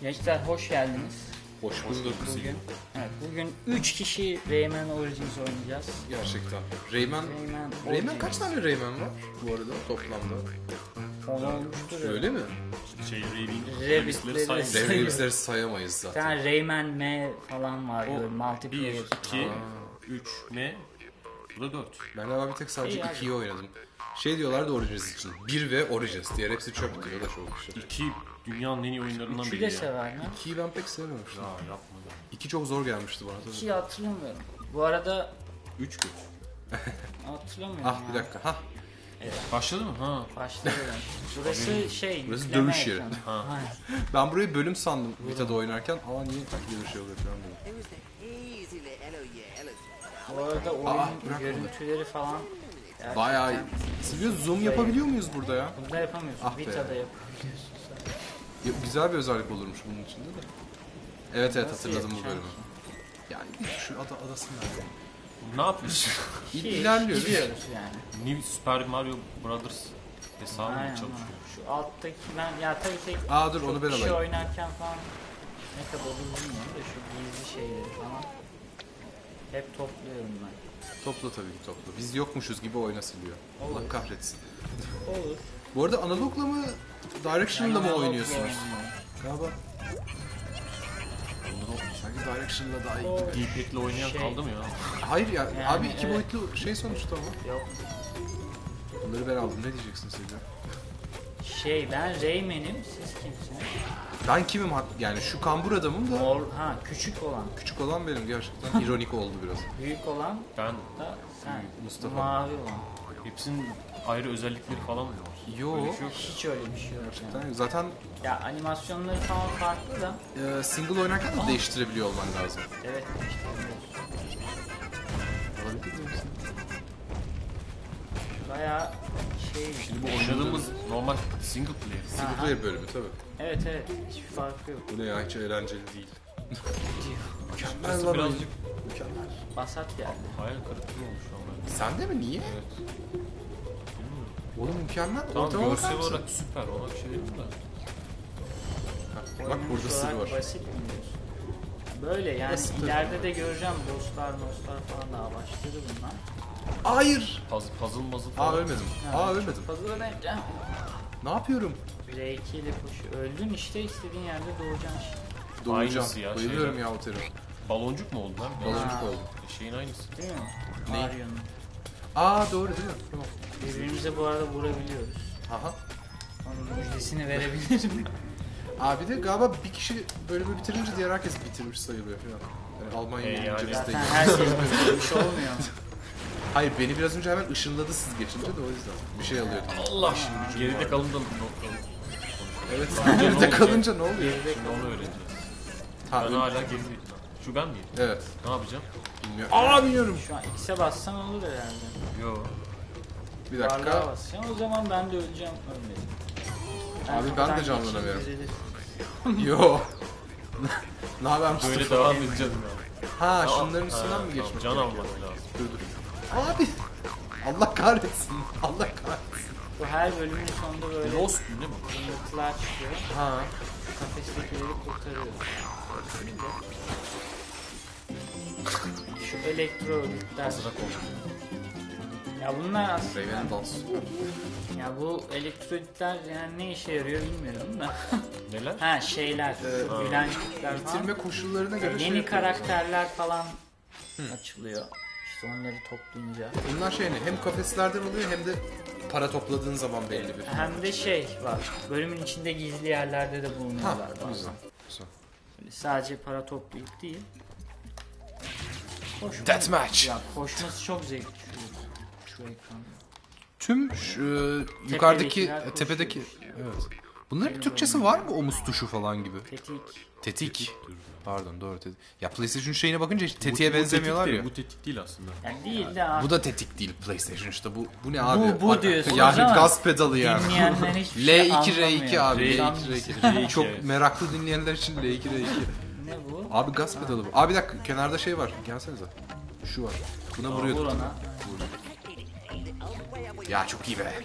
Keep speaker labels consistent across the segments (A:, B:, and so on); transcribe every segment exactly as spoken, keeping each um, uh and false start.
A: Gençler hoş geldiniz.
B: Hoş bulduk.
A: Bugün, evet, bugün üç kişi Rayman Origins oynayacağız.
B: Gerçekten. Rayman,
A: Rayman,
B: Rayman kaç tane Rayman var bu arada toplamda?
A: on olmuştur.
B: Öyle mi?
C: Şey, Raven,
A: Rabbit'leri
C: sayın.
B: Rayman'leri sayamayız
A: Bir
B: zaten.
A: tane Rayman M falan var
C: O
A: böyle multiplayer.
C: bir, iki, üç, M, bu da dört.
B: Ben galiba bir tek sadece
A: İyi abi.
B: ikiyi oynadım. Şey diyorlardı Origins için. bir ve Origins. Diğer hepsi çöp diyor. O da çok şey.
C: İki dünyanın en iyi oyunlarından
A: Üçü
C: biri
A: de
C: ya.
A: sever mi?
B: ikiyi ben pek sevmemiştim.
C: Ya yapma ya.
B: İki çok zor gelmişti bana. tabii.
A: İkiyi hatırlamıyorum. Bu arada
C: Üç gün.
A: hatırlamıyorum
B: Ah bir
A: ya.
B: dakika. Hah.
C: Başladı mı? Ha.
A: Başlayalım. Burası şey.
B: Burası
A: yükleme
B: dövüş yeri.
A: ekranı.
C: Ha.
A: Aynen.
B: Ben burayı bölüm sandım Vita'da oynarken. Ama niye böyle bir şey oluyor falan dedim.
A: Bu arada oyun
B: Aa, bırak
A: görüntüleri falan gerçekten
B: Bayağı... Silvio zoom yapabiliyor muyuz burada ya?
A: Bunda yapamıyorsun.
B: Ah be.
A: Vita'da yapabiliyorsun.
B: Ya, güzel bir özellik olurmuş bunun içinde de. Evet evet
A: Nasıl
B: hatırladım bu
A: yapacaksın
B: bölümü. Yani şu ada, adasını nerede?
C: Ne yapıyorsun?
B: İl,
A: Şey,
B: ilerliyoruz.
A: gidiyoruz yani.
C: New Super Mario Brothers hesabı mı
A: Aynen.
C: çalışıyor?
A: Şu alttaki ben ya tabii tek
B: Aa, dur,
A: çok
B: onu ben
A: kişi
B: alayım.
A: oynarken falan ne kadar olur bilmiyorum da şu gizli şeyleri falan hep topluyorum ben.
B: Topla tabii ki topla. Biz yokmuşuz gibi oyna Silvio. Allah
A: Olur.
B: kahretsin.
A: Olur.
B: Bu arada analogla mı Direction'la mı
A: Ben
B: oynuyorsunuz?
A: oynuyorum.
B: Galiba. Sanki Direction'la daha iyi
A: O-
B: gibi.
C: D-pad'le oynayan
A: Şey-
C: kaldı mı ya?
B: Hayır ya
A: Yani,
B: abi iki
A: evet.
B: boyutlu şey sonuçta ama.
A: Yok.
B: Bunları ben aldım. Ne diyeceksin Silvio?
A: Şey ben Rayman'im siz kimsiniz?
B: Ben kimim hak- yani şu kambur adamım da
A: Mor, ha küçük olan.
B: küçük olan benim gerçekten ironik oldu biraz.
A: Büyük olan
C: Ben
A: da sen.
B: Mustafa.
A: Mavi olan.
C: hepsinin ayrı özellikleri falan mı var?
B: Yo.
C: Öyle bir şey yok.
A: Hiç öyle bir şey yok. Yani.
B: Yani zaten
A: Ya animasyonları falan farklı da.
B: e, single oynarken de değiştirebiliyor olman lazım.
A: Evet işte.
B: Olabilir misin?
A: Bayağı şey.
C: Şimdi bu oynadığımız normal single player.
B: Single player bölümü tabii.
A: Evet evet hiçbir farkı yok.
B: Bu ne ya hiç eğlenceli değil.
C: Burası birazcık
B: Mükemmel.
A: Basat geldi.
C: hayal kırıklığı olmuş ama.
B: Sen de mi? Niye?
C: Evet. Bilmiyorum.
B: Oğlum mükemmel.
C: Tamam
B: Ortama bakar
C: görsel
B: mısın?
C: olarak süper, ona bir şey dedim de.
B: Bak
A: Oyunun
B: burada
A: şu
B: sırrı
A: an
B: var.
A: Basit mi diyorsun? Böyle yani
B: Basit tabii.
A: ileride de göreceğim dostlar dostlar falan daha başladı bunlar.
B: Hayır.
C: Puzzle, puzzle muzzle falan.
B: Aa ölmedim. Aa ölmedim.
A: Fazla önemli.
B: Ne yapıyorum?
A: R iki ile koşu. Öldün işte istediğin yerde doğacaksın işte.
B: Doğacağım.
C: Aynısı ya,
B: Bayılıyorum
C: şeyler.
B: ya o terör.
C: Baloncuk mu oldu lan?
B: Baloncuk
A: Ha.
B: oldu.
C: E, şeyin aynısı.
A: Değil mi?
B: Ne?
A: Mario'nun.
B: Aa doğru değil mi? Tamam.
A: Birbirimize bu arada vurabiliyoruz.
B: Aha.
A: Onun müjdesini verebilirim.
B: Abi de galiba bir kişi bölümü bitirince diğer herkes bitirmiş sayılıyor falan. Yani Almanya
C: E,
B: gelince
C: yani.
B: biz de
A: Zaten herkes bitirmiş olmuyor mu?
B: Hayır beni biraz önce hemen ışınladı siz geçince de o yüzden. Bir şey alıyordum.
C: Allah şimdi geride kalın da
B: Evet.
C: ne
B: Geride
C: olacak?
B: kalınca ne oluyor?
A: Geride
C: Şimdi onu öğreneceğiz.
B: Ha,
C: Ben
B: öyle-
C: hala gerideyim. Şu ben miyim?
B: Evet.
C: Ne yapacağım?
B: Bilmiyorum. Aa bilmiyorum.
A: Şu an X'e bassan olur herhalde.
C: Yo.
B: Bir
A: Varlığa
B: dakika.
A: basacağım o zaman ben de öleceğim ölmedim.
B: Abi ben de
A: kaptan
B: canlanamıyorum.
A: geçeyim, düzelir.
B: Yo. Ne haber
C: Böyle
B: Mustafa?
C: devam edeceğim ya.
B: Ha
C: Ya,
B: şunların üstünden
C: ha,
B: mi geçmek
C: tamam, can
B: gerekiyor?
C: almak lazım.
B: Dur dur. Abi. Allah kahretsin. Allah kahretsin.
A: Bu her bölümün sonunda böyle
C: Lost değil mi?
A: yırtılar çıkıyor.
B: Ha.
A: Kafestekileri kurtarıyor. Şu elektro örgütler.
C: Hazırak oldu.
A: Ya bunlar aslında
B: Rayman'ın dansı.
A: ya bu elektrolitler yani ne işe yarıyor bilmiyorum da.
C: Neler?
A: Ha şeyler, şu gülen tipler falan.
B: Bitirme koşullarına göre şey
A: Yeni
B: yapıyoruz.
A: karakterler falan açılıyor. İşte onları toplayınca.
B: Bunlar şey ne? Hem kafeslerden oluyor hem de para topladığın zaman belli bir.
A: Hem de şey var. Bölümün içinde gizli yerlerde de
B: Ha,
A: bulunuyorlar
B: güzel.
A: bazen.
B: Güzel.
A: Böyle sadece para toplayıp değil. Koşma.
B: Deathmatch.
A: Ya koşması çok zevkli şu, şu ekranda.
B: Tüm şu, e, yukarıdaki
A: Tepedekiler
B: e, tepedeki
A: koşuyor.
B: evet. Bunların Türkçesi var mı? Omuz tuşu falan gibi.
A: Tetik.
B: Tetik. Pardon doğru tetik. Ya PlayStation şeyine bakınca hiç tetiğe
C: Bu- bu
B: benzemiyorlar
C: tetik
B: ya.
C: değil, Bu tetik değil aslında.
A: Yani değil de artık
B: Bu da tetik değil PlayStation işte bu bu ne abi?
A: bu
B: Bak-
A: diyorsunuz
B: yani
A: ama
B: gaz pedalı yani.
A: dinleyenler hiçbir
B: L
A: şey
B: iki R iki
A: anlamıyor.
B: abi L
A: Tam-
B: iki R iki.
C: R iki,
B: Çok
C: evet.
B: meraklı dinleyenler için L iki R iki.
A: Ne bu?
B: Abi gaz pedalı bu. Abi bir dakika kenarda şey var. Gelsenize. Şu var. Buna
A: Vur
B: vuruyorduk.
A: ona.
B: Ya çok iyi be.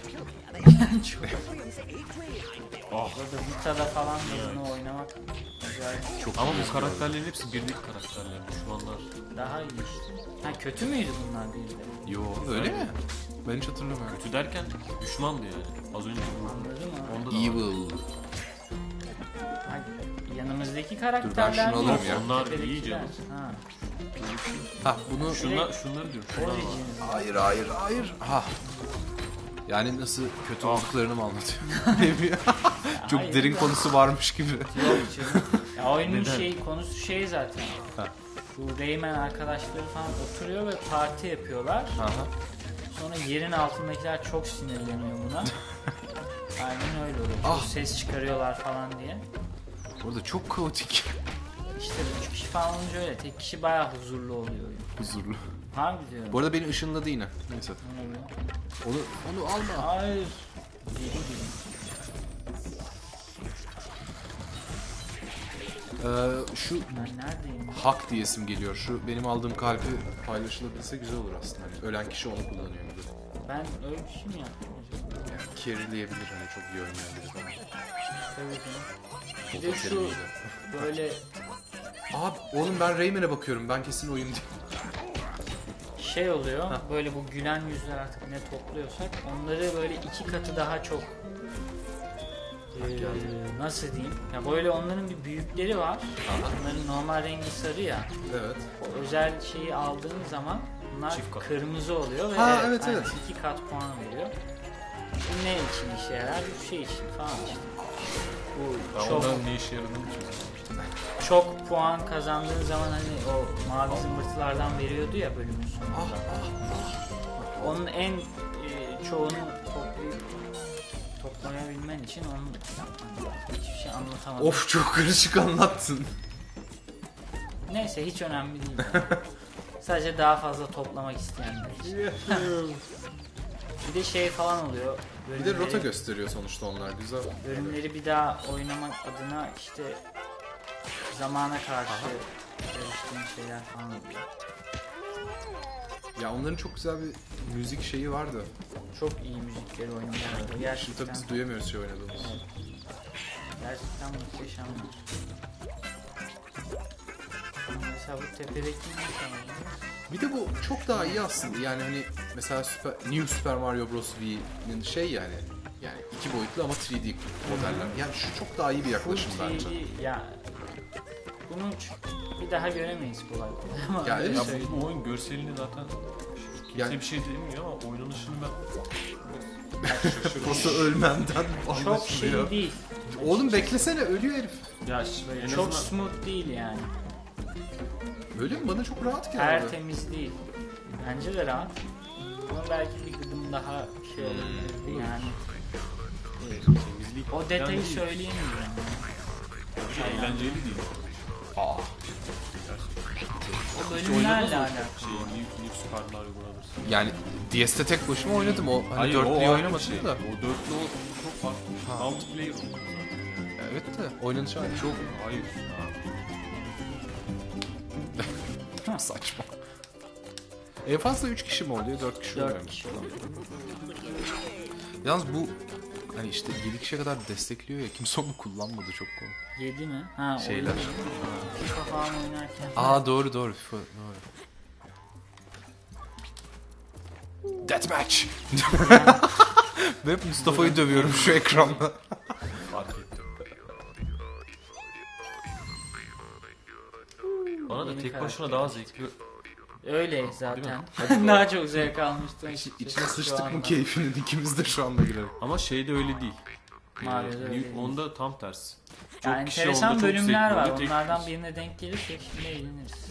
C: Ah.
A: Burada Vita'da falan da bunu oynamak acayip
C: Çok ama bu karakterlerin hepsi birlik karakterler. Düşmanlar.
A: daha iyi işte. Ha kötü müydü bunlar bir de?
B: Yo öyle mi? Ben hiç hatırlamıyorum.
C: Kötü derken düşmandı yani. Az önce bu.
A: Anladın mı?
C: Onda da var.
B: Evil.
A: Ha, yanımızdaki karakterler
B: şunu
A: mi?
B: alırım ya.
C: Onlar
A: Tepedekiler.
C: iyi canım.
A: Ha.
B: Ha bunu...
C: Şunlar, şunları diyorum. Şunlar var.
A: Origins.
B: Hayır hayır hayır. Ha. Yani nasıl kötü olduklarını mı anlatıyor? Çok
A: hayır
B: derin
A: ya.
B: konusu varmış gibi.
A: Yok canım. Ya oyunun
C: Neden?
A: şey konusu şey zaten.
B: Ha.
A: Şu Rayman arkadaşları falan oturuyor ve parti yapıyorlar.
B: Aha.
A: Sonra yerin altındakiler çok sinirleniyor buna. Aynen öyle oluyor. Çok
B: Ah.
A: ses çıkarıyorlar falan diye.
B: Orada çok kaotik.
A: İşte üç kişi falan olunca öyle. Tek kişi bayağı huzurlu oluyor oyun.
B: Huzurlu.
A: Harbi diyorum.
B: Bu arada beni ışınladı yine. Neyse.
A: Ne oluyor?
B: Onu onu alma.
A: Hayır. Deli gibi.
B: Ee, şu
A: Ben neredeyim?
B: hak diyesim geliyor. Şu benim aldığım kalbi paylaşılabilse güzel olur aslında. Hani ölen kişi onu kullanıyor gibi.
A: Ben öyle bir şey mi yaptım acaba?
B: Yani carry'leyebilir hani çok iyi oynayan biri falan.
A: Tabii canım. Bir
B: O
A: de
B: da
A: şu
B: carry'liydi.
A: böyle
B: Abi oğlum ben Rayman'e bakıyorum. Ben kesin oyun değil.
A: şey oluyor. Böyle bu gülen yüzler artık ne topluyorsak onları böyle iki katı daha çok eee, nasıl diyeyim? Ya böyle onların bir büyükleri var. Onların normal rengi sarı ya.
B: Evet.
A: O özel şeyi aldığın zaman bunlar
C: Çift kat.
A: kırmızı oluyor ve
B: Ha, evet,
A: aynen
B: evet.
A: iki kat puan veriyor. Bu ne için işe yarar? Bu şey için falan işte. Bu
C: Ben
A: çok
C: onların ne işe yaradığını çözememiştim.
A: çok puan kazandığın zaman hani o mavi zımbırtılardan veriyordu ya bölümün sonunda. Onun en e, çoğunu toplayıp toplayabilmen için onu yapman lazım. Hiçbir şey anlatamadım.
B: Of çok karışık anlattın.
A: Neyse hiç önemli değil. Yani. Sadece daha fazla toplamak isteyenler için. Bir de şey falan oluyor.
B: Bir de rota
A: bölümleri-
B: gösteriyor sonuçta onlar güzel.
A: Bölümleri bir daha oynamak adına işte zamana karşı yarıştığın şeyler falan oluyor.
B: Ya onların çok güzel bir müzik şeyi vardı.
A: Çok iyi müzikleri oynuyorlar.
B: Şimdi tabii
A: Gerçekten,
B: biz duyamıyoruz şey oynadığımız.
A: gerçekten muhteşemler. Mesela bu tepedeki ne sanırım?
B: Bir de bu çok daha iyi aslında. Yani hani mesela Super, New Super Mario Bros. V'nin şey yani yani iki boyutlu ama üç D modeller. Yani şu çok daha iyi bir yaklaşım
A: Full
B: bence.
A: üç D ya bunu ç- bir daha göremeyiz kolay kolay ama
B: Ya
A: öyle
B: evet.
C: Ya
A: söyleyeyim.
C: bu oyun görselini zaten kimse
B: Yani-
C: bir şey demiyor ama oynanışını ben
B: Nasıl ölmemden
A: çok
B: anlaşılıyor.
A: şey değil.
B: Oğlum beklesene ölüyor herif.
C: ya ş- en
A: Çok
C: azından
A: smooth değil yani.
B: Öyle mi? Bana çok rahat geldi.
A: Tertemiz değil. Bence de rahat. Ama belki bir gıdım daha şey olabilirdi yani.
C: temizlik
A: O detayı
C: değil.
A: söyleyemiyorum.
C: Bir de eğlenceli değil.
B: Aa.
A: O
C: Hiç oynadınız
A: bölümlerle
C: mı?
A: alakalı.
C: Şey, New, New Super Mario Bros.
B: Yani D S'te tek başıma oynadım o. Hani
C: Hayır,
B: dörtlüyü
C: o ayrı bir
B: oynamadım
C: şey.
B: da.
C: O dörtlü o çok farklı. Multiplayer oldu.
B: Evet de oynanışı aynı.
C: Çok hayır.
B: Çok saçma. En fazla üç kişi mi oluyor? dört kişi oluyor
A: Dört
B: mu?
A: kişi oluyor.
B: Yalnız bu hani işte yedi kişiye kadar destekliyor ya kimse onu kullanmadı çok komik.
A: Yedi mi? Ha,
B: Şeyler.
A: oyun. FIFA falan oynarken.
B: Aa doğru doğru FIFA doğru. Deathmatch. Ve hep Mustafa'yı dövüyorum şu ekranda.
C: Fark ettim. Bana da
A: Yeni
C: tek
A: karakter.
C: başına daha zevkli.
A: Öyle zaten.
C: Değil mi?
A: Daha çok zevk almıştım.
B: İçine
A: açıkçası şu
B: sıçtık
A: anda.
B: bu keyfinin ikimiz de şu anda girelim.
C: Ama şeyde öyle değil.
A: Mario'da
C: Ee,
A: öyle değil.
C: Onda tam tersi. Çok
A: Yani
C: kişi
A: enteresan
C: onda çok
A: bölümler
C: zevkli
A: var.
C: oluyor, tek
A: Onlardan
C: kişi.
A: birine denk gelirsek şimdi eğleniriz.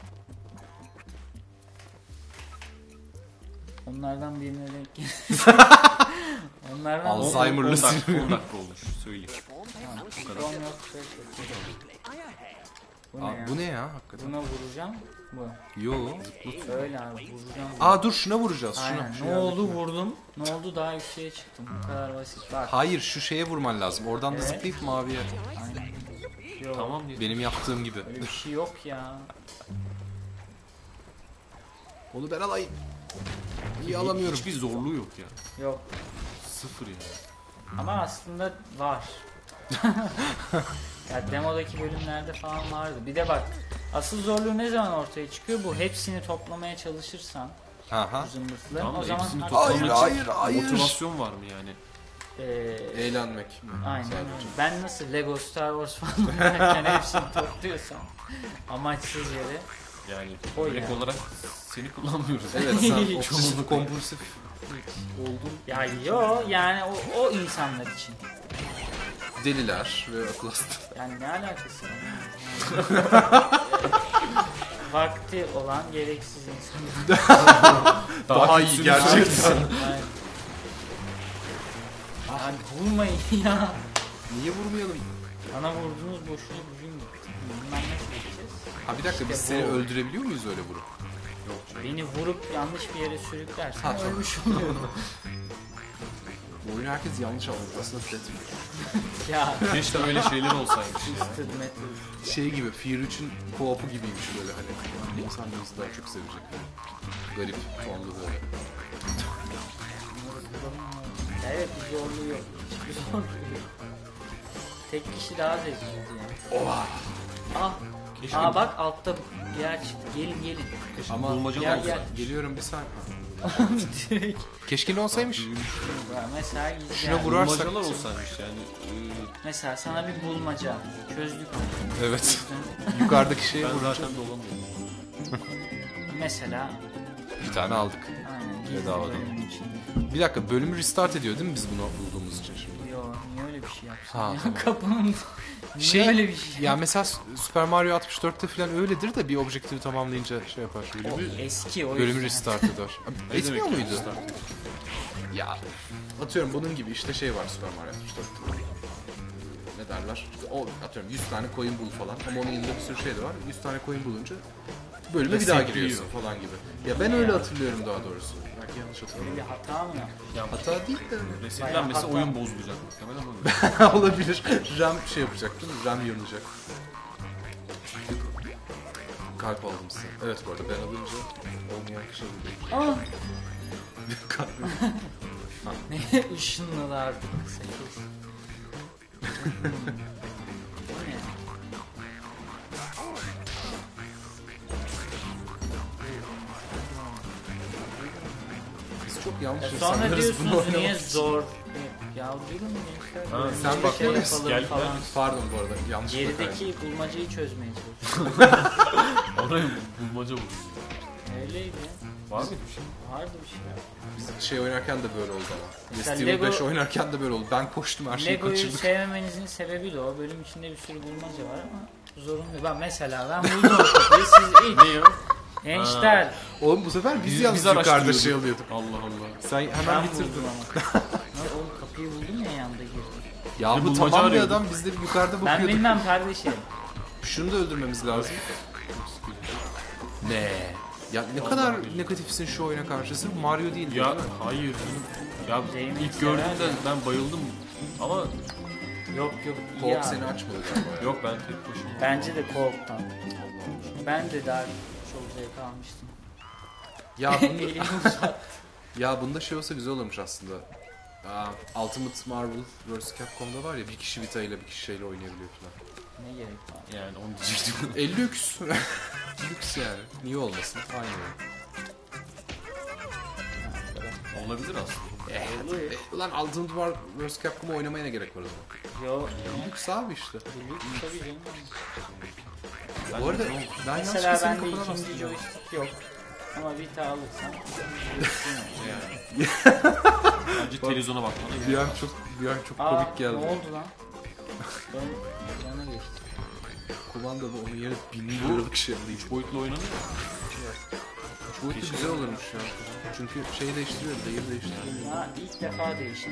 A: Onlardan birine denk geliriz. Onlardan
B: Al-
C: on-
B: Alzheimer'lı
C: on dakika-
B: sinir.
C: on dakika olmuş söyleyeyim.
A: Son yok. şey Bu ne,
B: Aa,
A: ya?
B: bu ne ya hakikaten?
A: Buna vuracağım. Bu.
B: Yo.
A: Öyle abi vuracağım.
B: Aa dur şuna vuracağız. Şuna.
A: Aynen.
B: Şu
A: Ne
B: yerdeki.
A: oldu vurdum. Ne oldu daha yükseğe çıktım. Bu kadar basit. Bak.
B: Hayır şu şeye vurman lazım. Oradan da
A: Evet.
B: zıplayıp maviye.
A: Aynen. Yok.
C: Tamam diye.
B: Benim yaptığım gibi.
A: Öyle bir şey yok ya.
B: Onu ben alayım. İyi alamıyorum.
C: Hiçbir zorluğu yok ya.
A: Yok.
C: Sıfır yani.
A: Ama aslında var. Ya demodaki bölümlerde falan vardı. Bir de bak, asıl zorluğu ne zaman ortaya çıkıyor? Bu hepsini toplamaya çalışırsan
B: Aha.
A: bu zımbırtıların,
C: Tamam
A: o
C: da
A: zaman
C: hepsini
A: hak-
C: toplamak için
B: Hayır, hayır.
C: motivasyon var mı yani?
A: Ee,
B: Eğlenmek mi?
A: aynen
B: Sadece.
A: öyle. Ben nasıl Lego Star Wars falan oynarken hepsini topluyorsam amaçsız yere.
C: Yani
A: O
C: direkt
A: yani.
C: olarak seni kullanmıyoruz.
B: Evet, sen
A: Çoğunluk
B: obsesif kompulsif oldun.
A: Ya yo, yani o, o insanlar için.
B: Deliler ve akıl hastası.
A: Yani ne alakası var? Vakti olan gereksiz insanlar.
B: Daha iyi
C: kötüsünü
B: gerçekten.
C: söylesen.
A: Yani, yani vurmayın ya.
B: Niye vurmayalım?
A: Bana vurdunuz, boşuna gücüm gitti. Bundan nasıl geçeceğiz?
B: Ha bir dakika, biz
A: İşte
B: seni
A: bu.
B: öldürebiliyor muyuz öyle vurup?
A: Beni vurup yanlış bir yere sürüklersen
B: Ha, tamam.
A: ölmüş oluyorum.
B: Bu oyunu herkes yanlış anladı. Aslında Death
A: Ya.
C: Keşke öyle şeyler olsaymış ya.
A: Twisted Metal.
B: şey gibi, Fear üçün co-op'u gibiymiş böyle hani. İnsan bizi daha çok sevecek. Garip tonlu böyle.
A: Evet, bir zorluğu yok. Hiçbir zorluğu yok. Tek kişi daha zevkliydi yani.
B: Oha!
A: Ah.
C: Keşke,
A: Aa bak, altta bir yer çıktı. Gelin gelin.
C: keşke
B: Ama-
C: bulmacalı
A: Gel,
C: olsa.
A: gel.
B: Geliyorum bir saniye.
A: Direkt.
B: Keşke ne olsaymış?
A: Ya mesela gizli
B: Şuna
A: yani.
B: vurarsak-
C: Bulmacalar olsaymış yani. Ee,
A: Mesela sana bir bulmaca çözdük.
B: Evet. Yukarıdaki şeye
C: ben
B: vuracağım.
C: zaten dolamıyorum.
A: Mesela
B: Bir tane aldık.
A: aynen gizli
B: Bedavadan.
A: bölümün içinde.
B: Bir dakika, bölümü restart ediyor değil mi biz bunu bulduğumuz için şimdi?
A: Yo, niye öyle bir şey yapsın?
B: Ha,
A: Ya,
B: tamam.
A: kapının niye
B: Şey,
A: öyle bir şey?
B: ya mesela Super Mario altmış dörtte falan öyledir de bir objektifi tamamlayınca şey yapar.
A: O eski o
B: Bölümü
A: yüzden.
B: restart eder.
C: Ne
B: Etmiyor
C: demek
B: muydu?
C: restart?
B: Ya atıyorum bunun gibi işte şey var Super Mario altmış dörtte. Ne derler? İşte o atıyorum yüz tane coin bul falan ama onun yanında bir sürü şey de var. yüz tane coin bulunca bölüme bir daha
C: Resetliyor.
B: giriyorsun falan gibi. Ya ben öyle hatırlıyorum daha doğrusu. Belki yanlış hatırlıyorum.
A: Bir hata mı yaptı?
C: Ya
B: Hata değil de
C: resetlenmese
A: Bayağı
C: oyun
A: hatta-
C: bozulacak muhtemelen ama.
B: olabilir. RAM şey yapacak değil mi? RAM yanacak. Kalp aldım size. Evet bu arada ben alınca olmayan kişi alıyor.
A: Ah!
B: Kalp.
A: Ne ışınlılar sekiz. Bu ne?
B: Biz çok yanlış
A: Ya sonra
B: insanlarız bunu
A: diyorsunuz niye
B: oynamak için.
A: zor? Ya durun gençler.
C: Ha,
A: böyle
B: sen
A: bir
B: bakıyor
A: şey
B: musun?
A: yapalım
C: Gel,
A: falan.
C: gel.
B: Pardon bu arada yanlışlıkla kaydı.
A: Gerideki bulmacayı çözmeye çalışıyorum.
C: Oraya bulmaca bulur.
A: Öyleydi.
C: Var mı bir şey?
A: Vardı bir şey.
B: Biz şey oynarken de böyle oldu ama.
A: Mesela
B: Resident Evil
A: Lego-
B: beş oynarken de böyle oldu. Ben koştum her şeyi
A: Lego'yu
B: kaçırdık.
A: sevmemenizin sebebi de o. Bölüm içinde bir sürü bulmaca var ama zorunlu. Ben mesela ben buldum o kapıyı, siz ilk.
C: Ne ya?
A: Gençler.
B: Oğlum bu sefer biz,
C: Biz-
B: yalnız
C: biz
B: yukarıda
C: araştırıyorduk.
B: şey alıyorduk.
C: Allah Allah.
B: Sen
A: Ben
B: hemen bitirdin.
A: buldum ama. Lan oğlum kapıyı buldum ya, yanda girdim.
B: Ya
C: Bir
B: bu
C: bulmaca
B: tamam bir
C: arıyorduk.
B: adam, biz de yukarıda
A: Ben
B: bakıyorduk.
A: bilmem kardeşim.
B: Şunu da öldürmemiz lazım. Ne? Ya ne kadar negatifsin şu oyuna karşı. Sırf Mario değil.
C: Ya
B: değil mi?
C: hayır. Ya
A: Zeynep
C: ilk
A: sever
C: gördüğümde
A: ya.
C: ben bayıldım. Ama
A: Yok yok. iyi
B: Co-op
A: abi.
B: seni açmadı galiba ya.
C: yok ben tek başıma.
A: Bence de co-op'tan. Ben de daha çok zevk almıştım.
B: Ya, bunda,
A: Elimi uzat.
B: ya bunda şey olsa güzel olurmuş aslında. Aa, Ultimate Marvel versus. Capcom'da var ya bir kişi Vita ile bir kişi şeyle oynayabiliyor falan.
A: Ne gerek var?
C: Yani onu diyecektim.
B: E lüks. Lüks yani. Niye olmasın? Aynı oyun.
C: Olabilir aslında.
B: Eh,
A: Oluyor.
B: eh, ulan Ultimate Marvel versus. Capcom'a oynamaya ne gerek var o zaman?
A: Yo.
B: Lüks abi işte.
A: Lüks tabii canım.
B: Bu arada
C: Ben-
B: ben
A: Mesela
B: yanlışlıkla senin
A: bende
B: kafana
A: ikinci
B: bastım.
A: joystick yok. Ama Vita alırsam
C: Yani. Bence televizyona bakmana gerek
B: Bir
C: yok.
B: an çok, bir an çok
A: Aa,
B: komik
A: ne
B: geldi.
A: oldu lan? Ben yana geçtim.
B: Kumanda da onun yerine bin liralık şey değil.
C: Üç boyutlu oynanıyor.
B: Bu boyutu güzel olurmuş ya. Çünkü şeyi değiştiriyor, değeri değiştiriyor.
A: Ya ilk defa değişti.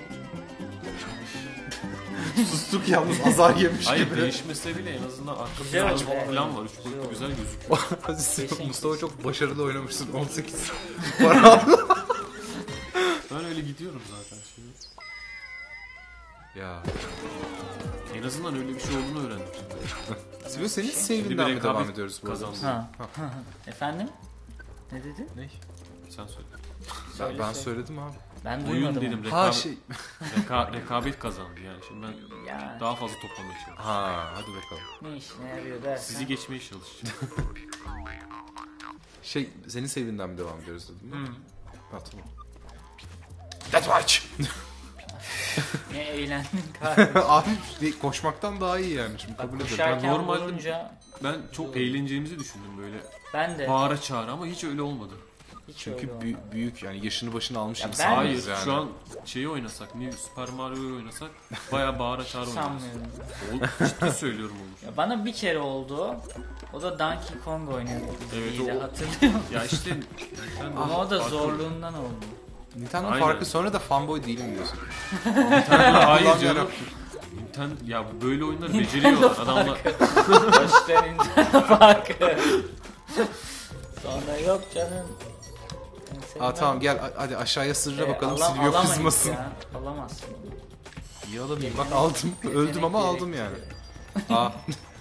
B: Sustuk yalnız azar yemiş
C: Hayır
B: gibi.
C: değişmesi bile en azından arka
A: Güzel
C: planı
A: oldu, evet.
C: falan var. Üç
A: Güzel
C: boyutlu
A: oldu.
C: güzel gözüküyor.
B: Aziz, Mustafa çok başarılı oynamışsın. on sekiz para aldı.
C: Ben öyle gidiyorum zaten. Şey.
B: Ya.
C: En azından öyle bir şey olduğunu öğrendim.
B: Sivyo senin
C: Şimdi
B: save'inden
C: bir
B: mi devam
C: rekabet
B: ediyoruz bu arada?
C: kazandı.
A: Ha. Efendim? Ne dedi?
B: Ne?
C: Sen söyle.
A: Söyle,
B: Ben
A: söyle.
B: söyledim abi.
A: Ben
C: Oyun
A: duymadım.
C: dedim.
A: onu.
C: Rekabet,
B: Ha şey.
C: reka- rekabet kazandı yani. Şimdi ben
A: Ya
C: daha fazla toplamaya çalışıyorum.
B: Ha hadi bakalım.
A: ne işine yarıyor dersen.
C: Sizi geçmeye çalışacağım.
B: Şey senin sevinden mi devam ediyoruz dedim.
A: Hı.
B: Ha tamam. That's watch.
A: Ne eğlendin kardeşim.
B: Abi koşmaktan daha iyi yani şimdi
A: Bak
B: kabul ederim.
A: koşarken
C: Ben normalde-
A: vurunca
C: Ben çok eğleneceğimizi düşündüm böyle.
A: ben de
C: Bağıra çağıra ama hiç öyle olmadı.
A: hiç
B: Çünkü
A: öyle
B: büyük,
A: olmadı.
B: büyük yani yaşını başını almış
A: Ya ben-
B: insanlarız
C: Hayır
B: yani.
C: şu an şeyi oynasak, New Super Mario'yu oynasak bayağı bağıra çağıra oynarız.
A: Sanmıyorum.
C: O, ciddi söylüyorum olur.
A: Ya bana bir kere oldu. O da Donkey Kong oynuyordu.
C: Evet,
A: Evet,
C: o-
A: hatırlıyorum.
C: Ya işte sen de
A: Ama o da
C: farklı-
A: zorluğundan oldu.
B: Nintendo
C: Aynen.
B: farkı sonra da fanboy değilim diyorsun.
C: Hayır
B: Ulan
C: canım.
B: yarabbim.
C: Nintendo, ya böyle oyunları beceriyorlar adamlar.
A: Başta Nintendo farkı. Sonra yok canım. Ben seni
B: Aa tamam gel hadi aşağıya sırra
A: Ee,
B: bakalım
A: ala-
B: Silvio
A: alamayız
B: kızmasın.
A: ya, Alamazsın.
B: İyi alamayayım bak aldım. Öldüm ama
A: Yetenek
B: aldım yani. Aa.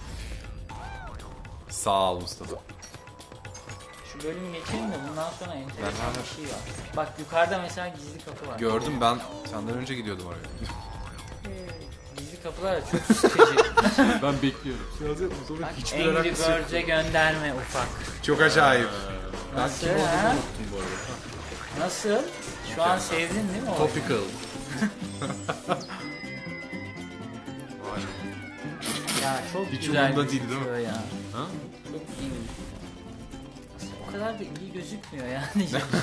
B: Sağ ol Mustafa.
A: Şu bölümü geçelim de bundan sonra enteresan
B: Ben-
A: bir şey var. Bak yukarıda mesela gizli kapı var.
B: Gördüm ben senden önce gidiyordum oraya.
A: Gizli kapılar da çok sıkıcı.
C: Ben bekliyorum.
A: Bak Angry Birds'e gönderme ufak.
B: Çok acayip. Ben
A: Nasıl
B: kim olduğumu
A: ha?
B: unuttum bu arada.
A: Nasıl? Şu an sevdin değil mi o?
B: Topical.
C: Vay.
A: Ya çok
B: Hiç
A: güzel
B: umurumda değil, değil mi?
A: gözüküyor ya.
C: Ha?
A: Çok iyi. Aslında o kadar da iyi gözükmüyor yani.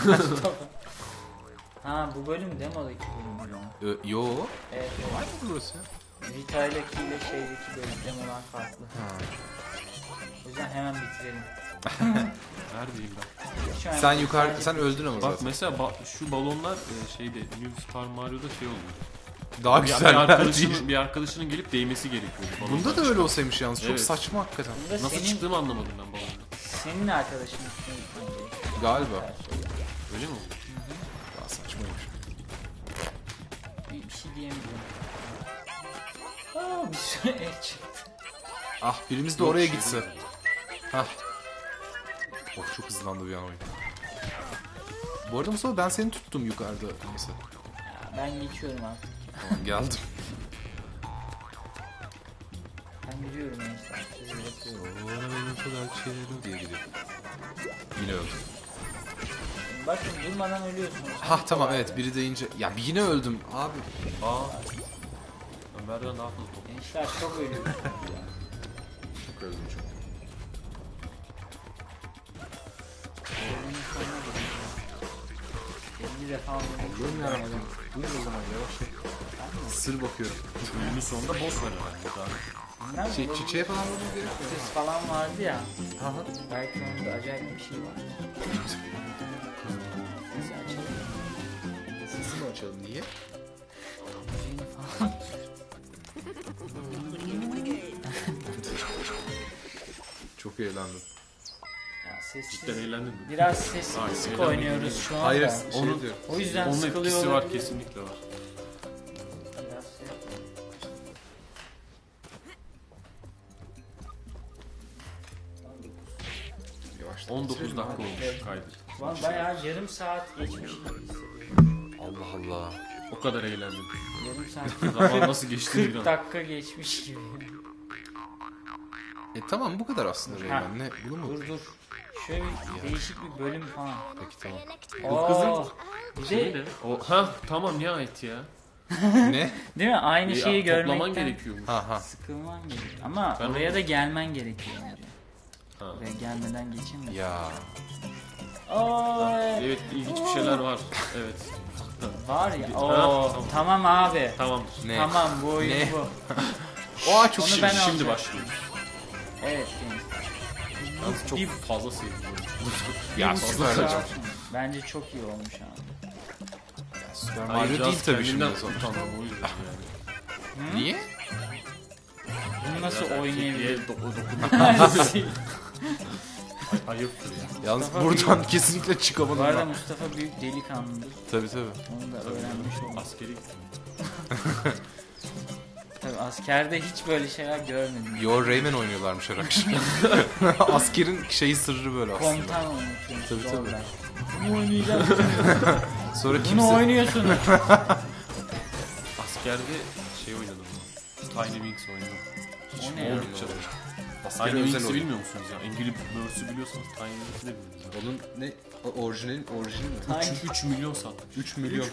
A: Ha bu bölüm demodaki bölüm. ya.
B: Ö, yo.
A: Evet
B: Var
A: evet.
B: mı burası?
A: Vita'daki ile şeydeki bölüm demolar farklı.
B: Ha.
A: O yüzden hemen bitirelim.
C: Neredeyim ben?
A: Hiç önemli
B: Sen
A: değil,
B: yukarı
A: sadece-
B: sen öldün ama
C: Bak
B: zaten.
C: mesela ba- şu balonlar e, şeyde New Super Mario'da şey oluyor.
B: Daha
C: Bir, bir,
B: güzel değil.
C: arkadaşının, bir arkadaşının gelip değmesi gerekiyor. balondan
B: Bunda da öyle olsaymış yalnız. Çok
C: Evet.
B: saçma hakikaten.
A: Bunda
C: Nasıl
A: senin,
C: çıktığımı anlamadım ben balondan.
A: senin arkadaşın üstüne gitmen gerekiyor.
B: Galiba.
C: Öyle mi?
B: Daha saçmaymış.
A: Bir, bir şey diyemiyorum. Aa bir sürü el çıktı.
B: Ah birimiz de
C: Yok,
B: oraya
C: şey
B: gitse.
C: değil.
B: Hah. Oh çok hızlandı bir an oyun. Bu arada Mustafa ben seni tuttum yukarıda mesela.
A: Ya, ben geçiyorum artık.
B: Tamam geldim.
A: Ben gidiyorum gençler. Sizi bırakıyorum.
B: Sonra benim kadar çevirdim diye gidiyor. Yine öldüm.
A: Bakın durmadan ölüyorsunuz.
B: Hah tamam evet biri deyince. Ya bir yine öldüm abi.
C: Aa. Ömer'den daha fazla top.
A: Gençler çok ölüyorsunuz.
B: Çok öldüm çok.
A: Ölümün sonuna geliyor. elli defa
B: Allah'ım
A: oynadım.
B: yarabbim. Buyur o zaman yavaş. Sır bakıyorum.
C: Bölümün sonunda boss var herhalde daha.
A: Bilmem,
B: Şey,
A: bu-
B: çiçeğe falan vurmamız gerekiyor.
A: Ses falan vardı ya.
B: Aha.
A: Belki onda acayip bir şey var. Sesi açalım.
B: Sesi mi açalım niye?
A: Müziğini falan.
B: Çok eğlendim.
A: Ya sessiz.
C: Cidden eğlendin mi?
A: Biraz sessiz
C: Hayır,
A: sık
C: eğlenmedim.
A: oynuyoruz şu anda.
B: Hayır şey
C: Onun-
B: diyorum.
A: O yüzden
C: Onun
A: sıkılıyor
C: etkisi var
A: olabilir.
C: kesinlikle var.
A: Biraz şey-
B: Yavaştan
C: on dokuz
B: bitirelim
C: dakika
B: abi.
C: olmuş kaydı.
A: Lan bayağı yarım saat geçmiş gibi hissediyorum.
B: Allah Allah.
C: O kadar eğlendim.
A: Yarım saat.
C: Zaman nasıl geçti
A: kırk
C: bir an.
A: dakika geçmiş gibi.
B: E tamam bu kadar aslında Reymen. Ne? Bunu mu?
A: Dur dur. Şöyle bir değişik bir bölüm falan.
B: Peki tamam.
A: Oo,
C: kızın
A: bir
C: Şey
A: de
C: ne? O, ha tamam nihayet ya.
B: Ne?
A: değil mi? Aynı
C: Ya,
A: şeyi
C: toplaman
A: görmekten
C: gerekiyormuş.
B: Ha ha.
A: sıkılman gerekiyor. Ama
C: Ben
A: oraya
C: onu-
A: da gelmen gerekiyor. Yani.
C: Ha.
A: Oraya gelmeden geçemiyorsun.
B: Ya.
A: Oo,
C: Evet ilginç bir şeyler var. Evet.
A: var ya.
C: Ha,
A: Oo,
C: tamam.
A: tamam abi.
C: Tamamdır.
B: Ne?
A: Tamam bu oyun
B: Ne?
A: bu.
B: Oha çok
A: Onu
B: şirin.
A: ben
C: Şimdi, şimdi
A: alacağım.
C: başlıyoruz.
A: Evet gençler.
C: Yalnız çok
A: Bir-
C: fazla sevdim.
B: Ya
A: Bir buçuk
B: süper
A: saat
B: hocam.
A: sonra. Bence çok iyi olmuş abi.
B: Süper
C: Ayrıca
B: Mario değil tabii
C: kendimden
B: şimdi sonuçta.
C: utandım o yüzden yani.
B: Niye?
A: Bunu nasıl
C: Ya,
A: oynayabilir?
C: erkekliğe do- dokunduk. Ay- Ayıptır ya.
B: Yalnız
A: Mustafa
B: buradan kesinlikle çıkamadım
A: Bu arada
B: ben.
A: Mustafa büyük delikanlıdır.
B: Tabii tabii.
A: Onu da öğrenmiş olduk.
C: Askeri gittim.
A: Tabii askerde hiç böyle şeyler görmedim.
B: Yo Rayman oynuyorlarmış her akşam. Askerin şeyi sırrı böyle aslında.
A: Komutan oynatıyormuş.
B: Tabii, tabii.
A: zorla. Bunu oynayacağım.
B: Sonra
A: Bunu
B: kimse...
A: oynuyorsunuz.
C: Askerde şey oynadım ben. Tiny Wings oynadım. Hiç
A: O ne ya?
C: oldukça da.
B: Askeri
C: Tiny
B: özel
C: Wings'i
B: oyun.
C: bilmiyor musunuz ya? Angry Birds'ü biliyorsanız Tiny Wings'i de bilmiyorsunuz.
B: Onun ne? O- Orijinal, orijinal mi?
A: Tiny-
C: üç milyon satmış.
B: üç milyon.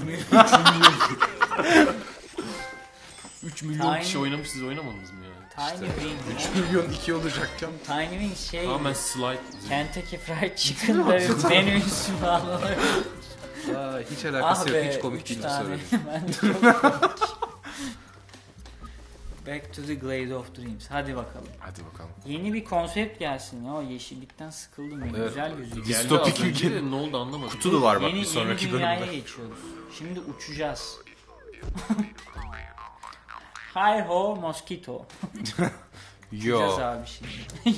C: üç milyon kişi
A: Tiny-
C: oynamış, siz oynamadınız mı yani?
A: Tiny Wings.
B: üç milyon iki olacakken.
A: Tiny Wings şey.
C: Tamamen slide.
A: Kentucky Fried Chicken'ların menüsü falan.
B: Aa, hiç alakası
A: Ah
B: yok.
A: be,
B: Hiç komik
A: üç
B: değil bu
A: tane.
B: söylediğin.
A: Ben de çok komik. Back to the Glade of Dreams. Hadi bakalım.
B: Hadi bakalım.
A: Yeni bir konsept gelsin ya. O yeşillikten sıkıldım ben.
B: Evet.
A: Güzel gözüküyor.
C: Geldi
B: Distopik
C: az önce
B: ülke.
C: de ne oldu anlamadım.
B: Kutu da var bak
A: yeni,
B: bir sonraki
A: yeni dünyaya
B: bölümde.
A: geçiyoruz. Şimdi uçacağız. Hi ho mosquito. Uçacağız
B: Yo.
A: abi şimdi.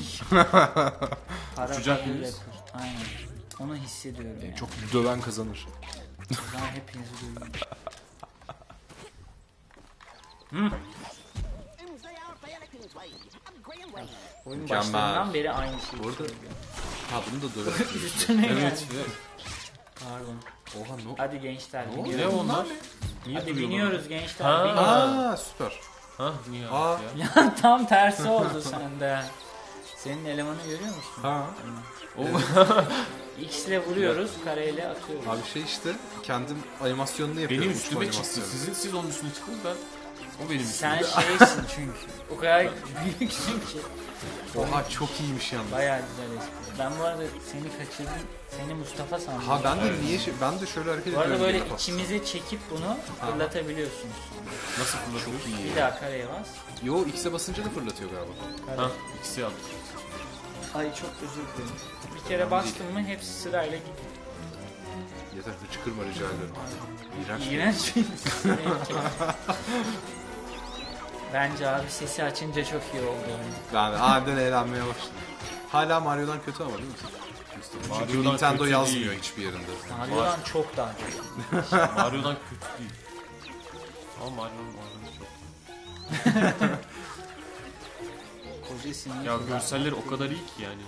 A: Para
C: Uçacak
A: para
C: mıyız?
A: rapper. Aynen. Onu hissediyorum yani.
B: Çok döven kazanır.
A: O zaman hepinizi duyuyorum. Oyun
B: Mükemmel.
A: başlarından beri aynı şey.
B: Bu arada- Ha bunu da döven.
A: Üstüne
C: Evet.
A: geldi.
C: evet.
A: Pardon.
B: Oha no.
A: Hadi gençler
B: Ne
A: biniyoruz.
C: Ne onlar? Niye
A: Hadi
C: duruyorlar?
A: biniyoruz gençler.
C: Ha.
A: biniyoruz.
B: Aa süper.
C: Ha niye
B: Aa.
C: ya?
A: Ya tam tersi oldu sende. Senin elemanı görüyor musun?
B: Ha.
C: O
A: X ile vuruyoruz, kareyle atıyoruz.
B: Abi şey işte kendim animasyonunu yapıyorum.
C: benim
B: uçma
C: üstüme çıktı.
B: animasyonu.
C: Sizin siz onun üstüne çıktınız, ben o benim
A: Sen
C: üstüme.
A: şeysin çünkü. O kadar büyüksün ki.
B: Oha çok iyiymiş yalnız.
A: Bayağı güzel espri. Ben bu arada seni kaçırdım. Seni Mustafa sandım.
B: Ha ben de niye şey, ben de şöyle hareket
A: Bu arada
B: ediyorum.
A: böyle
B: gibi.
A: içimize çekip bunu fırlatabiliyorsunuz.
C: Nasıl fırlatıyorsun?
B: İyi.
A: Bir daha kareye bas.
B: Yo X'e basınca da fırlatıyor galiba.
A: Kare.
C: Ha ikisi yaptı.
A: Ay çok özür dilerim. Bir kere bastım mı hepsi sırayla gidiyor.
B: Yeter hıçkırma rica ederim. İğrenç.
A: İğrenç bir renk. Bence abi sesi açınca çok iyi oldu. Yani.
B: Ben aniden eğlenmeye başladım. Hala Mario'dan kötü ama değil mi? Çünkü
C: Mario'dan
B: Nintendo
C: kötü
B: yazmıyor
C: değil.
B: hiçbir yerinde.
A: Mario'dan çok daha kötü.
C: Mario'dan kötü değil. Ama Mario'nun oynanışı çok.
A: Koca sinir.
C: Ya görselleri o kadar iyi ki yani.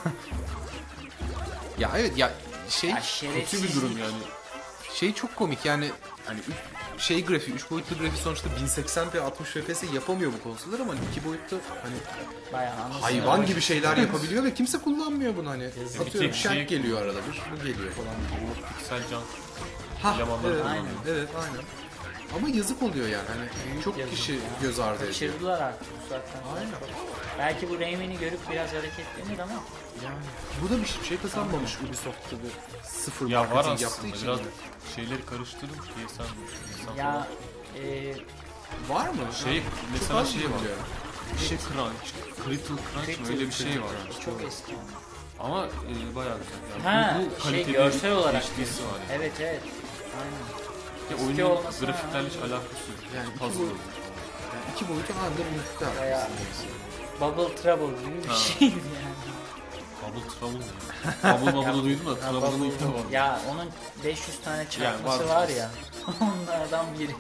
B: Ya evet ya şey
A: Ya
C: Kötü
A: şerefsiz.
C: bir durum yani.
B: şey çok komik yani hani üç- şey grafiği, üç boyutlu grafiği sonuçta bin seksen p altmış F P S yapamıyor bu konsollar ama iki boyutta hani
A: Bayağı anlasın.
B: hayvan gibi şeyler yapabiliyor ve kimse kullanmıyor bunu hani.
C: bir
B: Atıyorum
C: tek
B: şark
C: şey-
B: geliyor arada bir, bu geliyor falan.
C: Piksel can.
B: Ha
C: Elemanları
B: evet,
C: kullanıyor.
B: evet aynen. Ama yazık oluyor yani hani çok
A: yazık
B: kişi
A: ya.
B: göz ardı ediyor.
A: Kaçırdılar artık bu saatten sonra.
B: Aynen.
A: Belki bu Rayman'i görüp biraz hareketlenir ama
B: Yani bu da bir şey kazanmamış Ubisoft gibi sıfır
C: Ya var
B: marketing yaptığı
C: aslında
B: için.
C: biraz şeyleri karıştırdım ki sen, sen
A: ya e,
B: Var mı?
C: şey
B: Çok
C: mesela
B: az
C: şey var.
B: biliyorum.
C: Şey Crunch, Critical Crunch mı öyle bir şey var.
A: çok eski.
C: Ama e, bayağı güzel. Yani
A: Ha
C: bu, bu
A: şey
C: kaliteli
A: görsel olarak.
C: H D'si var. Yani.
A: Evet evet. Aynen.
C: Ya
A: eski
C: oyunun
A: olmasına
C: grafiklerle hiç
A: rağmen-
C: alakası yok.
B: Yani iki
C: Puzzle.
B: boyut- Yani iki boyutu anında muhtemelen.
A: Bayağı Bubble Trouble gibi bir
C: Ha.
A: şeydi yani.
C: Bubble Trouble ne? Bubble Bubble'ı duydum da
A: Ha,
C: Trouble'ını
A: Bubble-
C: ilk defa.
A: Ya onun beş yüz tane çarpması
C: var.
A: var ya. Onlardan biri.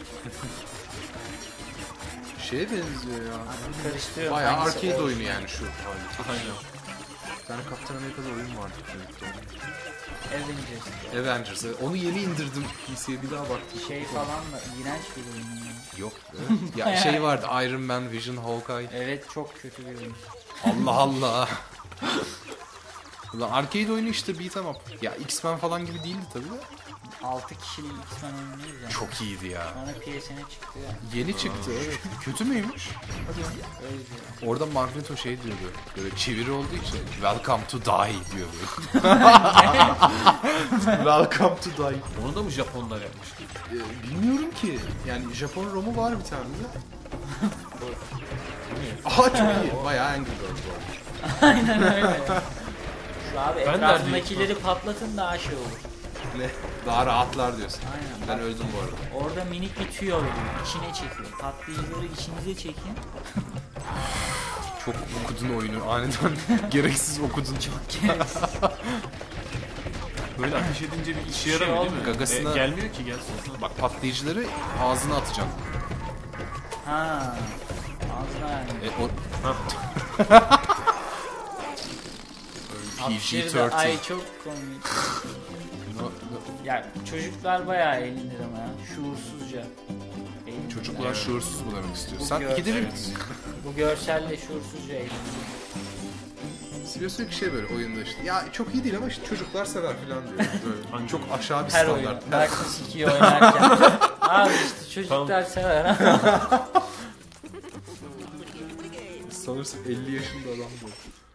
B: Şeye benziyor ya.
A: Karıştırıyorum.
B: Bayağı
A: hangisi
B: arcade
A: o?
B: oyunu yani şu hali.
C: Aynen.
B: Bir tane Kaptan Amerika'da oyun vardı.
A: Avengers.
B: Avengers. Onu yeni indirdim. P C'ye bir daha baktım.
A: Şey falan da iğrenç bir oyun. ya.
B: Yok. Evet. Ya şey vardı Iron Man, Vision, Hawkeye.
A: Evet çok kötü bir oyun.
B: Allah Allah. Ulan arcade oyunu işte beat 'em up. Ya X-Men falan gibi değildi tabii de.
A: altı kişilik X-Men oynuyoruz yani.
B: Çok iyiydi ya.
A: Sonra P S N'e çıktı ya.
B: Yeni çıktı evet. Kötü müymüş?
A: Öyle diyor.
B: Orada Magneto şey diyordu. Böyle çeviri olduğu için Welcome to die diyordu. Welcome to die.
C: Onu da mı Japonlar yapmış?
B: Ee, bilmiyorum ki. Yani Japon romu var bir tane de. Aha çok iyi. Bayağı Angry Birds var.
A: Aynen öyle. Şu abi
C: Ben
A: etrafındakileri patlatın daha şey olur.
B: Ne? Daha rahatlar diyorsun.
A: Aynen.
B: Ben öldüm bu arada.
A: Orada minik bir tüyo veriyor. İçine çekiyor. Patlayıcıları içinize çekin.
B: Çok okudun oyunu. Aniden gereksiz okudun.
C: Böyle ateş edince bir işe
A: Şey
C: yaramıyor değil mi?
B: olmuyor. Gagasına-
C: E, gelmiyor ki gelsin.
B: Bak patlayıcıları ağzına atacaksın.
A: Ha. Ağzına yani.
B: E, o... P G
A: Hapşırdı.
B: on üç.
A: Ay çok komik. Ya çocuklar bayağı eğlenir ama ya. Şuursuzca. Eğlenirler.
B: Çocuklar şuursuz mu demek istiyorsun?
A: Bu
B: Sen
A: gör-
B: ikide bir
A: Bu görselle şuursuzca eğlenir.
B: Biliyorsun ki şey böyle oyunda işte. Ya çok iyi değil ama işte çocuklar sever falan diyor. Böyle
C: Hangi
B: çok aşağı bir
A: Her
B: standart.
A: oyun. Darkness ikiyi oynarken. Abi işte çocuklar sever ha.
B: Sanırsın elli yaşında adam bu.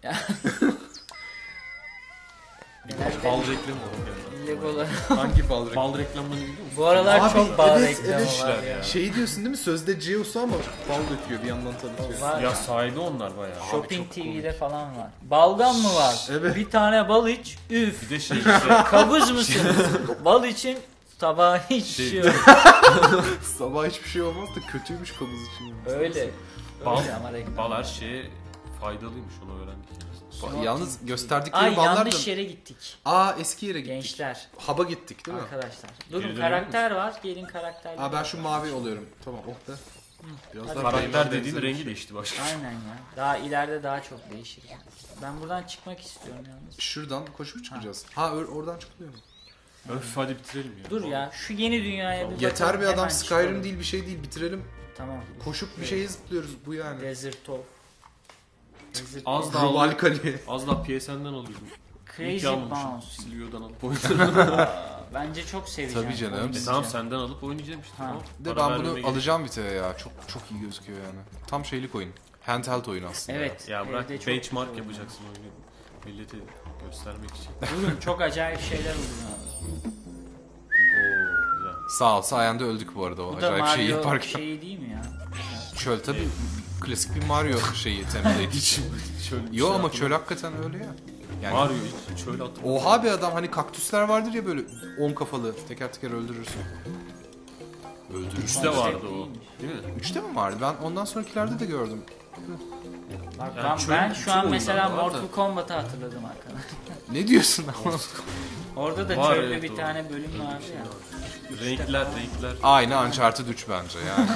C: Bal reklamı var.
A: Legolar.
B: Hangi bal reklamı?
C: Bal reklamlarını biliyor musun?
A: Bu aralar
B: Abi,
A: çok bal
B: evet,
A: reklamı
B: evet.
A: var ya.
B: Şey diyorsun değil mi? Sözde Zeus'u ama bal döküyor bir yandan tanıtıyor.
A: Var.
C: Ya sahibi onlar bayağı. Abi
A: Shopping
C: çok
A: T V'de
C: komik.
A: falan var. Balgam mı var?
B: Evet.
A: Bir tane bal iç, üf.
C: Bir de şey işte.
A: Kabız mısın? Bal için sabah hiç
C: Şey-
A: şey yok.
B: Sabah hiçbir şey olmaz da kötüymüş kabız için.
A: Öyle.
C: Bal,
A: Öyle ama reklam.
C: bal her şeye faydalıymış, onu öğrendik.
B: Ba- Yalnız gösterdikleri
A: Ay
B: ballar da...
A: yanlış yere gittik.
B: Aa eski yere gittik.
A: Gençler,
B: Hub'a gittik değil mi?
A: arkadaşlar.
C: Geri
A: Durun
C: dönelim
A: karakter var. Gelin karakterle.
B: Aa ben şu mavi oluyorum. Tamam oh be. Biraz
A: Hadi.
B: daha
C: Karakter
B: Rayman
C: dediğin
B: benzeri bir
C: rengi
B: şey.
C: değişti başka.
A: Aynen ya. Daha ileride daha çok değişir. Ben buradan çıkmak istiyorum yalnız.
B: Şuradan koşup çıkacağız. Ha, or- oradan çıkılıyor mu?
C: Öf hadi bitirelim ya.
A: Dur ya şu yeni dünyaya bir
B: Yeter
A: bakalım,
B: bir adam
A: hemen
B: Skyrim
A: çıkalım.
B: değil bir şey değil bitirelim.
A: Tamam.
B: Koşup bir şeye zıplıyoruz bu yani.
A: Desert of. Desert
C: Az
A: of.
C: daha
B: Global Kali.
C: Az daha P S'nden alıyordum.
A: Crazy
C: İyi ki almamışım.
A: Bounce.
C: Silvio'dan alıp oynayacağım.
A: Aa, Bence çok seveceğim.
B: Tabii canım.
A: Oynayacağım.
C: E tamam senden alıp oynayacağım işte.
A: Ha.
C: Tamam.
B: De
C: Para
B: ben
C: vermeme
B: bunu
C: gerek-
B: alacağım Vito'ya ya. Çok çok iyi gözüküyor yani. Tam şeylik oyun. Handheld oyun aslında.
A: Evet.
C: Ya bırak
A: evde çok
C: benchmark
A: güzel
C: yapacaksın oyunu. Millete göstermek için.
A: oynuyor. Durun çok acayip şeyler oluyor.
C: Oo güzel.
B: Sağ ol sayende öldük bu arada o
A: Bu da
B: acayip şeyi
A: Mario
B: yaparken.
A: şeyi değil mi ya?
B: Çöl tabii klasik bir Mario şeyi template için.
C: Çöl,
B: Yo
C: şey
B: ama
C: aklıma-
B: çöl hakikaten öyle ya. Yani
C: Mario hiç şöyle atıp.
B: oha bir adam hani kaktüsler vardır ya böyle on kafalı teker teker öldürürsün. Öldürürsün.
C: Üçte vardı o.
A: değilmiş.
C: Değil mi?
B: Üçte mi vardı? Ben ondan sonrakilerde de gördüm.
A: Bak
C: Yani
A: ben,
C: çöl-
A: ben
C: bütün
A: şu an mesela
C: oyunlarda var da.
A: Mortal Kombat'ı hatırladım arkadaşlar.
B: Ne diyorsun ama?
A: Orada da
C: Var,
A: çölde
C: evet,
A: bir
C: doğru.
A: tane bölüm vardı ya.
C: Renkler renkler.
B: Aynı Uncharted üç bence yani.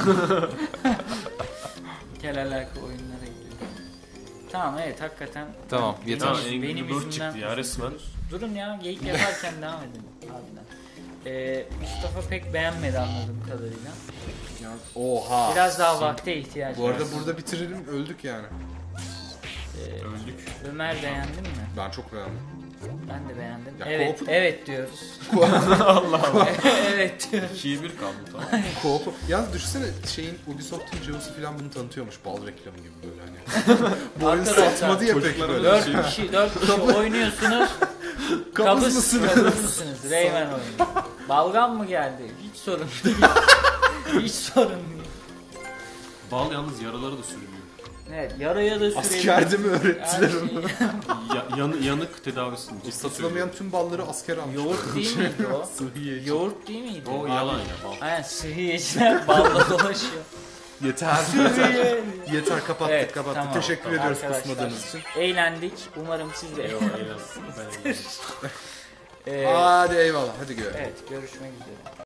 A: Kel alaka oyunlara gidiyor. Tamam evet hakikaten.
B: Tamam,
A: Ben-
B: yeter.
C: Ya
A: benim, benim
C: Angry Bird
A: yüzümden
C: çıktı ya resmen.
A: Durun ya geyik yaparken devam edin. Harbiden. Ee, Mustafa pek beğenmedi anladığım kadarıyla.
B: Oha.
A: Biraz daha vakte ihtiyaç
B: Bu
A: var.
B: arada burada bitirelim öldük yani.
A: Ee,
C: Öldük.
A: Ömer beğendin mi?
B: Ben çok beğendim.
A: Ben de beğendim.
B: Ya,
A: evet,
B: co-op-
A: evet diyoruz.
C: Allah Allah.
A: evet diyoruz.
C: ikiye bir kaldı tamam.
B: Co-op. Yalnız düşünsene şeyin Ubisoft'un Zeus'u falan bunu tanıtıyormuş bal reklamı gibi böyle hani. Bu oyun
A: Arkadaşlar,
B: satmadı ya pek
C: çocuklara
B: böyle.
C: da-
A: Dört kişi, dört kişi oynuyorsunuz.
B: Kabız
A: Kabız
B: mısınız?
A: Kabız mısınız? Rayman oyunu. Balgam mı geldi? Hiç sorun değil. Hiç sorun değil.
C: Bal yalnız yaraları da sürülüyor.
A: Evet, yaraya da sürelim.
B: Askerde mi öğrettiler
A: Her
B: onu?
A: şeyi-
C: Ya, yanı, yanık tedavisini. ciddi
B: Satılamayan tüm balları asker almış.
A: Yoğurt değil miydi o?
B: Sıhhiye.
A: Yoğurt değil miydi?
C: söylüyor. O yalan ya bal.
A: Aynen sıhhiyeciler balla dolaşıyor.
B: Yeter. Yeter.
A: Sıhhiye.
B: Yeter kapattık
A: Evet,
B: kapattık.
A: tamam.
B: Teşekkür
A: Tamam.
B: ediyoruz
A: Arkadaşlar,
B: kusmadığınız için.
A: Eğlendik. Umarım siz de
C: Eyvallah eyvallah. Ben eğlendim.
A: Ee,
B: Hadi eyvallah hadi görelim.
A: evet görüşmek üzere.